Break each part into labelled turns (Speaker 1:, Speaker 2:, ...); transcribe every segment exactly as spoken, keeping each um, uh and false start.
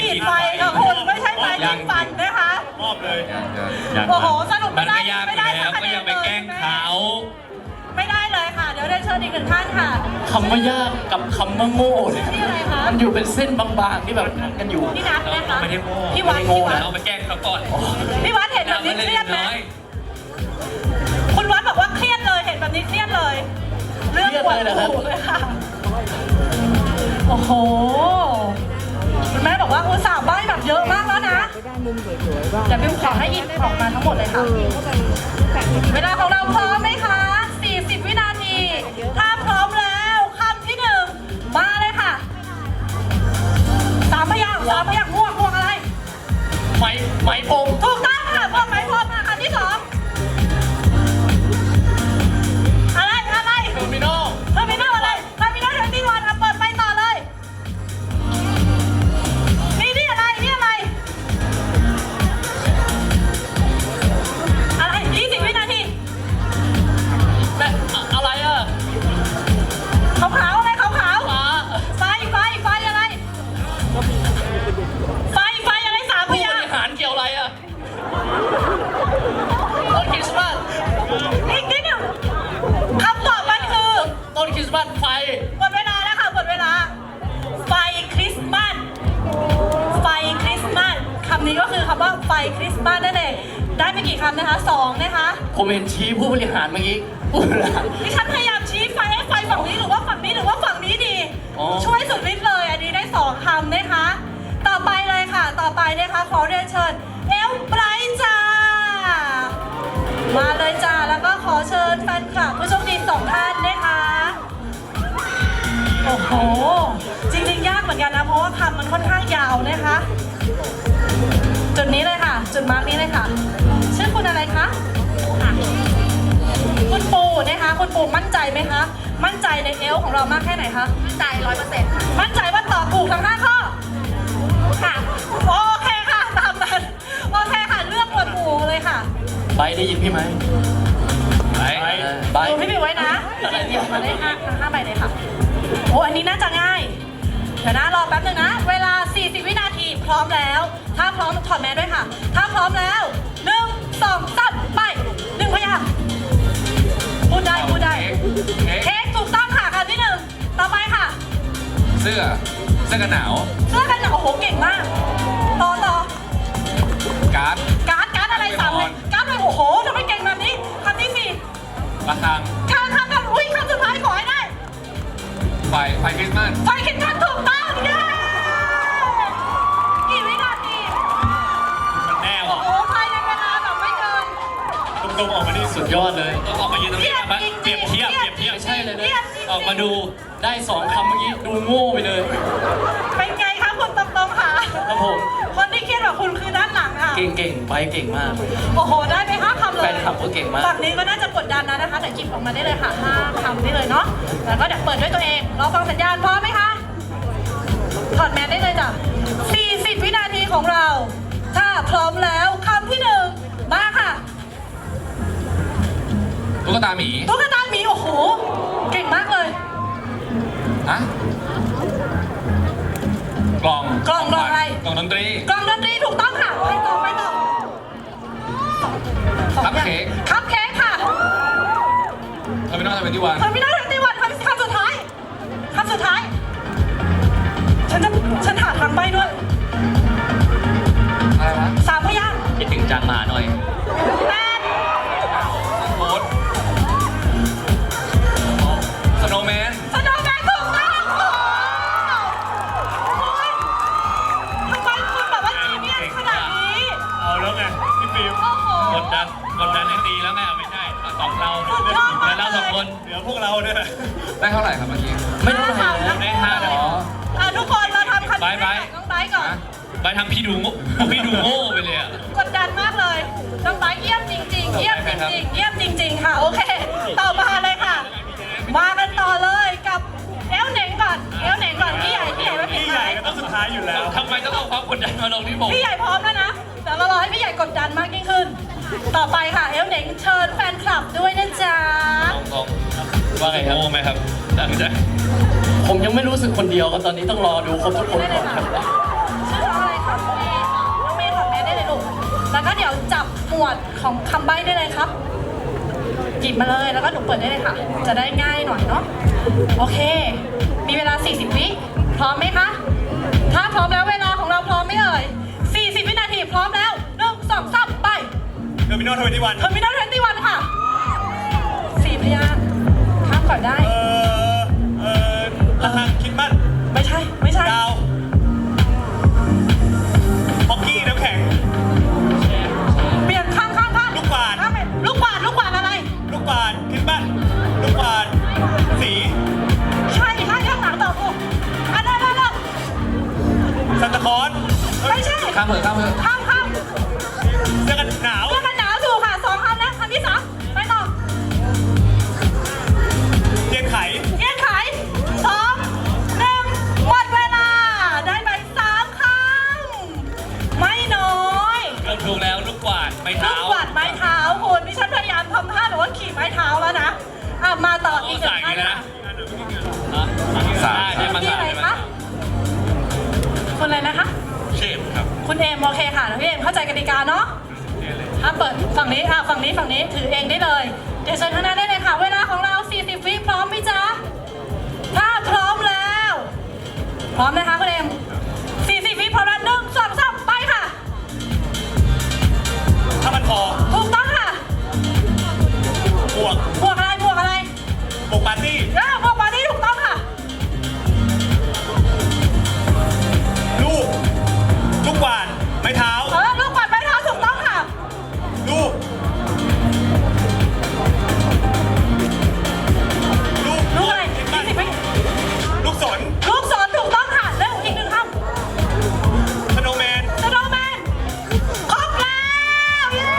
Speaker 1: ขีดไฟค่ะคุณไม่ใช่ไม้จิ้มฟันนะคะ
Speaker 2: มอบเลย
Speaker 1: โอ้โหสรุป
Speaker 3: มั
Speaker 1: ไม่
Speaker 3: น
Speaker 1: ได้
Speaker 3: ก็ยากอ
Speaker 1: ไม่
Speaker 3: ยู่
Speaker 1: ได้
Speaker 3: แล้ว
Speaker 1: สักคะ
Speaker 3: ก็
Speaker 1: แน
Speaker 3: ยัง
Speaker 1: น
Speaker 3: ไปแกล้งเขา
Speaker 1: ไม่ได้เลยค่ะ เดี๋ยวได้เชิญอีกหนึ่งท่านค่ะ
Speaker 4: คำว่ายากกับคำว่าโง่เนี่ย
Speaker 1: ชื่ออะไรคะ
Speaker 4: มันอยู่เป็นเส้นบางๆที่แบบนั่นกันอยู่
Speaker 1: พี่นัทนะคะ
Speaker 3: ไม่ได้โง่
Speaker 1: พี่วัด
Speaker 4: ไม่ได้โง่
Speaker 1: พี่วัด
Speaker 3: เอาไปแกล้งเขาก่อน
Speaker 1: พี่วัดเห็นแบบนี้เครียดไหม
Speaker 3: น้อย
Speaker 1: คุณวัดบอกว่าเครียดเลยเห็นแบบนี้เครียดเลย เรื่องปวดหูเลยค่ะโอ้โหคุณแม่บอกว่าอุตส่าห์ใบ้แบบเยอะมากแล้วนะ
Speaker 5: ได้มุมสวยๆบ้าง
Speaker 1: เดี๋ยวบิวขอให้อินออกมาทั้งหมดเลยค่ะ เวลาของเราพร้อมไหมคะ สี่สิบ วินาที ถ้าพร้อมแล้วคำที่หนึ่งมาเลยค่ะสามพยางค์สามพยางค์ม่วงม่วงอะไร
Speaker 4: ไม้ไม้พรม
Speaker 1: ถูกต้องค่ะพร้อมไหมพร้อมมาคำที่สองอะไรอะไร
Speaker 4: เทอร์มินอล
Speaker 1: เทอร์มินอลอะไรเทอร์มินอลเทนตี้วันอ่ะเปิดไปต่อเลยนี่นี่อะไรนี่อะไรอะไรยี่สิบ วินาที
Speaker 4: แม่อะอะไรอ่ะ
Speaker 1: ขาวขาวๆอะไรขาวขาวๆ
Speaker 4: ฟ้า
Speaker 1: ไฟไฟไฟอะไร ไฟไฟอะไรสามพ
Speaker 4: ผู้บ
Speaker 1: ยาง
Speaker 4: ริ
Speaker 1: ค์
Speaker 4: หารเกี่ยวอะไรอ่ะต้นคริสต์มาส
Speaker 1: อีกนิดหนึ่งคำตอบมันคือ
Speaker 4: ต้นคริสต์มาสไฟ
Speaker 1: หมดเวลาแล้วค่ะหมดเวลา ไฟคริสต์มาส ไฟคริสต์มาส คำนี้ก็คือคำว่าไฟคริสต์มาสนั่นเอง ได้ไปกี่คำนะคะสองนะคะ
Speaker 4: ผมเห็นชี้ผู้บริหารเมื่อกี้ผู้บริหาร
Speaker 1: ดิฉันพยายามชี้ไฟให้ไฟฝั่งนี้หรือว่าฝั่งนี้หรือว่าฝั่งนี้ดี
Speaker 4: อ๋อ
Speaker 1: ช่วยสุดฤทธิ์เลย อันนี้ได้สองคำนะคะ ต่อไปเลยค่ะ ต่อไปนะคะขอเรียนเชิญเอลไบรท์จ้า มาเลยจ้า แล้วก็ขอเชิญแฟนคลับผู้โชคดีสองท่านนะคะ โอ้โห จริงๆ ยากเหมือนกันนะ เพราะว่าคำมันค่อนข้างยาวนะคะ จุดนี้เลยค่ะ จุดมาร์กนี้เลยค่ะ ชื่อคุณอะไรคะค่ะคุณปูนะคะ คุณปูมั่นใจไหมคะ มั่นใจในเอลของเรามากแค่ไหนคะ มั่นใจร้อยเปอร์เซ็นต์ค่ะ มั่นใจว่าตอบถูกทั้งห้าข้อ ค่ะ โอเคค่ะ ตามนั้น โอเคค่ะ เลือกหมวดหมู่เลยค่ะ
Speaker 4: ไปได้ยินพี่ไหม
Speaker 3: ไป
Speaker 4: ไป
Speaker 1: ดูพี่บิวไว้นะเดี๋ยวมาได้ห้าทั้งห้าใบเลยค่ะ โอ้อันนี้น่าจะง่าย เดี๋ยวนะรอแป๊บนึงนะ เวลา สี่สิบ วินาทีพร้อมแล้ว ถ้าพร้อมถอดแมสด้วยค่ะ ถ้าพร้อมแล้วหนึ่งสองสามไปหนึ่งพยางค์พูดได้พูดได้
Speaker 3: เค้ก
Speaker 1: เค้กถูกต้องค่ะคำที่หนึ่งต่อไปค่ะ
Speaker 3: เสื้อ เสื้อกันหนาว
Speaker 1: เสื้อกันหนาวโอ้โหเก่งมาก ต่อต่อ
Speaker 3: การ์ด
Speaker 1: การ์ดการ์ดอะไรสามเลยการ์ดเลยโอ้โหทำไมเก่งแบบนี้คำที่สี่
Speaker 3: ระฆัง
Speaker 1: การ์ดคำกันอุ้ยคำสุดท้ายขอให้ได้
Speaker 3: ไฟ ไฟคริสต์มาส
Speaker 1: ไฟคิดกันถูกต้องเย้กี่วินาที
Speaker 2: มันแน่
Speaker 1: โอ้
Speaker 2: ว่ะ
Speaker 1: โหภายในเวลาแบบไม่เกิน
Speaker 2: ตรงๆออกมานี่สุ
Speaker 4: สุ
Speaker 2: ด
Speaker 4: ดยอดเลย
Speaker 3: ต้องออกมายืนตรงนี้นะครับ
Speaker 1: จริงๆ
Speaker 3: เปรียบเทียบ เปรียบเทียบ
Speaker 4: ไม่ใช่เลยนะ
Speaker 1: รีบจริงๆ
Speaker 3: ออกมาดู
Speaker 4: ได้สองคำเมื่อกี้ดูโง่ไปเลย
Speaker 1: เป็นไงคะคุณตรงๆค่ะ
Speaker 4: ครับผม
Speaker 1: คนที่เครียดกว่าคุณคือด้านหลังค่ะ
Speaker 4: เก่งเก่งๆไปเก่งมาก
Speaker 1: โอ้โห ได้ไปห้าคำเลย
Speaker 4: แฟนคลับก็เก่งมาก
Speaker 1: ฝั่งนี้ก็น่าจะกดดันนะนะคะ แต่หยิบออกมาได้เลยค่ะห้าคำได้เลยเนาะ แล้วก็เดี๋ยวเปิดด้วยตัวเอง รอฟังสัญญาณพร้อมไหมคะ ถอดแมสได้เลยจ้ะ สี่สิบ วินาทีของเรา ถ้าพร้อมแล้วคำที่หนึ่งมาค่ะ
Speaker 3: ตุ๊กตาหมี
Speaker 1: ตุ๊กตาหมีโอ้โห เก่งมากเลย
Speaker 3: ฮะ กล่อง
Speaker 1: กล่องกล่องอะไร
Speaker 3: กล่องดนตรี
Speaker 1: กล่องดนตรีถูกต้องค่ะ ไปต่อไปต่อสอง
Speaker 3: คัพเค้ก
Speaker 1: คัพเค้กค่ะ
Speaker 3: เทอร์มินอลทเวนตี้วัน
Speaker 1: เทอร์มินอลทเวนตี้วันคำคำสุดท้ายคำสุดท้าย ฉันจะฉันหาทางใบด้วย
Speaker 3: อะไรวะ
Speaker 1: สามพยางค์
Speaker 4: คิดถึงจางหมาหน่อย
Speaker 1: แปด
Speaker 3: โค้ดสโนว์แมน
Speaker 1: สโนว์แมนถูกต้องโอ้ยทำไมคุณแบบว่าจีเนียสขนาดนี้
Speaker 2: เอาแล้วไงพี่ฟิล์ม
Speaker 1: โอ้โห
Speaker 3: กดดัน กดดันในตีแล้วไงไม่ใช่สองเรา
Speaker 1: สุดยอดมาก
Speaker 3: แต่เราสองคน
Speaker 2: เหลือพวกเราด้วย
Speaker 3: ได้เท่าไหร่ครับเมื่อกี้
Speaker 4: ไม่เท่าไหร่นะ
Speaker 3: ได้ห้าเลย
Speaker 4: อ๋อ
Speaker 1: อ่ะทุกคนเราทำคำ
Speaker 3: ไปไป
Speaker 1: น้องไบร์ทก่อน
Speaker 3: ฮะไปทำพี่ดูโง่พี่ดูโง่ไปเลยอะ
Speaker 1: กดดันมากเลยน้องไบร์ทเยี่ยมจริงๆ เยี่ยมจริงๆ เยี่ยมจริง ๆ ค่ะ โอเค ต่อมาเลยค่ะ มากันต่อเลยกับเอลเหน่งก่อน เอลเหน่งก่อน พี่ใหญ่ พี่ใหญ่มาปิด
Speaker 2: พี่ให
Speaker 1: ท้า
Speaker 2: ญ่
Speaker 1: ย
Speaker 2: ก็ต้องสุดท้ายอยู่แล้ว
Speaker 3: ทำไมต้องเอาความกดดันมาลงที่ผม
Speaker 1: พี่ใหญ่พร้อมแล้วนะเดี๋ยวเรารอให้พี่ใหญ่กดดันมากยิ่งขึ้น ต่อไปค่ะ เอลเหน่งเชิญแฟนคลับด้วยนะจ๊ะ
Speaker 3: ตรงๆว่าไงครับโง่ไหมครับตั้งใจ
Speaker 4: ผมยังไม่รู้สึกคนเดียวก็ตอนนี้ต้องรอดูครบทุกคนก่อนครับ
Speaker 1: ชื่อน้องอะไรควดของคำใบ้ได้เลยครับ หยิบมาเลยแล้วก็หนูเปิดได้เลยค่ะ จะได้ง่ายหน่อยเนาะ โอเค มีเวลา สี่สิบ วิ พร้อมไหมคะ ถ้าพร้อมแล้วเวลาของเราพร้อมไหมเอ่ย สี่สิบ วินาทีพร้อมแล้วหนึ่งสองสามไป
Speaker 2: เทอร์มินอลทเวนตี้วัน
Speaker 1: เทอร์มินอลทเวนตี้วันค่ะ สี่พยางค์ข้ามก่อนได้
Speaker 2: เออเออระฆังคิดมั่น
Speaker 1: ไม่ใช่ ไม่ใช่
Speaker 2: ดาวฮอกกี้น้ำแข็ง
Speaker 1: เปลี่ยนข้างข้างข้าง
Speaker 2: ลูกกวาด
Speaker 1: ข้ามไปลูกกวาดลูกกวาดอะไร
Speaker 2: ลูกบาศก์คิดมั่นลูกบาศก์สี
Speaker 1: ใช่ใช่ข้างหลังต่อกูอันนั้นอันนั้น
Speaker 2: ซันตาคลอส
Speaker 1: ไม่ใช่
Speaker 4: ข้ามเถอะข้ามเถอะ
Speaker 1: ข้ามข้าม
Speaker 2: เสื้อกันหนาว
Speaker 1: เรื่องกันหนาวถูกค่ะสองคำนะคำที่สามไปต่อ
Speaker 2: เทียนไข
Speaker 1: เงื่อนไขสองหนึ่งหมดเวลา ได้ไปสามคำไม่น้อย
Speaker 3: เกือบถูกแล้วลูกกวาดไม้
Speaker 1: ลู
Speaker 3: เท้าก
Speaker 1: กวาดไม้เท้าคุณดิฉันพยายามทำท่าแบบว่าขี่ไม้เท้าแล้วนะอ่ะมาต่ออีกหนึ่
Speaker 3: สั่
Speaker 1: ง
Speaker 3: ง
Speaker 1: ท่า
Speaker 3: นี้
Speaker 1: น
Speaker 3: นะ
Speaker 1: ค่ะ
Speaker 3: ได้ได้มา
Speaker 1: พี่
Speaker 3: สั่ง
Speaker 1: อะไร
Speaker 3: ได้
Speaker 1: คะคุณอะไรนะคะ
Speaker 3: เชฟครับ
Speaker 1: คุณเอมโอเคค่ะแล้วพี่เอมเข้าใจกติกาเนาะถ้าเปิดฝั่งนี้อ่ะฝั่งนี้ฝั่งนี้ถือเองได้เลย เดี๋ยวเชิญข้างหน้าได้เลยค่ะ เวลาของเรา สี่สิบ วิพร้อมไหมจ๊ะ ถ้าพร้อมแล้ว พร้อมนะคะคุณเอม สี่สิบ วิพร้อมแล้วหนึ่งสองสามไปค่ะ
Speaker 2: ถ้ามันคอ
Speaker 1: ถูกต้องค่ะ
Speaker 2: บวก
Speaker 1: บวกอะไรบวกอะไร
Speaker 2: บวกปาร์ตี้
Speaker 1: อ่ะบวกมาที่ถูกต้องค่ะ
Speaker 2: ลูก ลูกกวาดไม้เท้า
Speaker 1: เออลูกกวาดไม้เท้าถูกต้องค่ะ
Speaker 2: ลูก ลูก
Speaker 1: ลูกอะไร
Speaker 2: คิดมั่
Speaker 1: ยี่
Speaker 2: น
Speaker 1: สิบวิ
Speaker 2: ลูกศร
Speaker 1: ลูกศรถูกต้องค่ะเร็วอีกหนึ่งคำ
Speaker 2: สโนว์แมน
Speaker 1: สโนว์แมนครบแล้วเย้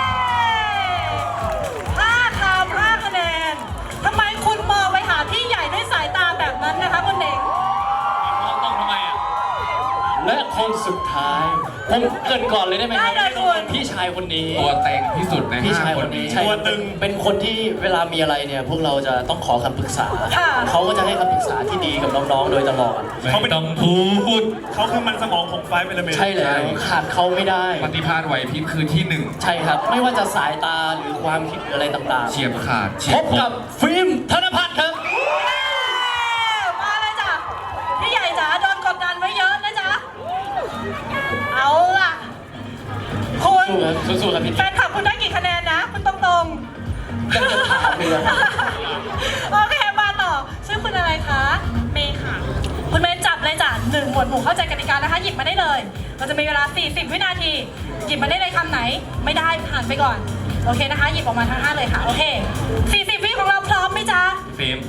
Speaker 1: ห้าคำห้าคะแนนทำไมคุณมองไปหาพี่ใหญ่ด้วยสายตาแบบนั้นนะคะคุณเด็ก
Speaker 3: มองตรงทำไมอ่ะ
Speaker 4: และคนสุดท้าย ผมเกรินก่อนเลยได้ไหมค
Speaker 1: ได้
Speaker 4: รับ
Speaker 1: เลยคุณ
Speaker 4: พี่ชายคนนี้
Speaker 5: ตัวเต็งที่สุดใน
Speaker 4: พี่
Speaker 5: ห้า
Speaker 4: ชาย
Speaker 5: ค
Speaker 4: คน น
Speaker 5: นี้
Speaker 4: นี้ใช่
Speaker 2: ตัวตึง
Speaker 4: เป็นคนที่เวลามีอะไรเนี่ย พวกเราจะต้องขอคำปรึกษา
Speaker 1: ค่ะ
Speaker 4: เขาก็จะให้คำปรึกษาที่ดีกับน้องๆ โดยตลอด
Speaker 2: เขาเป็น
Speaker 3: ไม่ต้องพูด
Speaker 2: เขาคือมันสมองของไฟเอลเมนต์
Speaker 4: ใช่แล้วขาดเขาไม่ได้
Speaker 5: ปฏิภาณไหวพริบคือที่หนึ่ง
Speaker 4: ใช่ครับ ไม่ว่าจะสายตาหรือความคิดหรืออะไรต่าง
Speaker 5: เฉียบขาด
Speaker 4: ๆ
Speaker 5: เฉี
Speaker 4: พ
Speaker 5: ย
Speaker 4: บบ กับฟิล์มธนพัฒน์ครับ
Speaker 1: มาเลยจ้ะพี่ใหญ่จ๋าโดนกดดันไว้เยอะนะจ๊ะ เอาล่ะ คุณ
Speaker 4: สู้ครับสู้ๆครับพี่
Speaker 1: แฟนคลับคุณได้กี่คะแนนนะ คุณตรงตรงๆ
Speaker 4: ยังจะถามเลยเหรอ
Speaker 1: โอเคมาต่อ ชื่อคุณอะไรคะ เมย์ค่ะ คุณเมย์จับเลยจ้ะหนึ่งหมวดหมู่เข้าใจกติกานะคะ หยิบมาได้เลย เราจะมีเวลา สี่สิบ วินาที หยิบมาได้เลยคำไหน ไม่ได้ผ่านไปก่อน โอเคนะคะ หยิบออกมาทั้งห้าเลยค่ะ โอเค สี่สิบ วิของเราพร้อมไหมจ๊ะ
Speaker 3: ฟิล์ม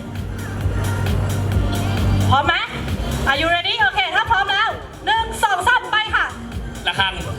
Speaker 1: พร้อมไหม Are you ready โอเค ถ้าพร้อมแล้วหนึ่งสองสามไปค่ะ
Speaker 3: ระฆัง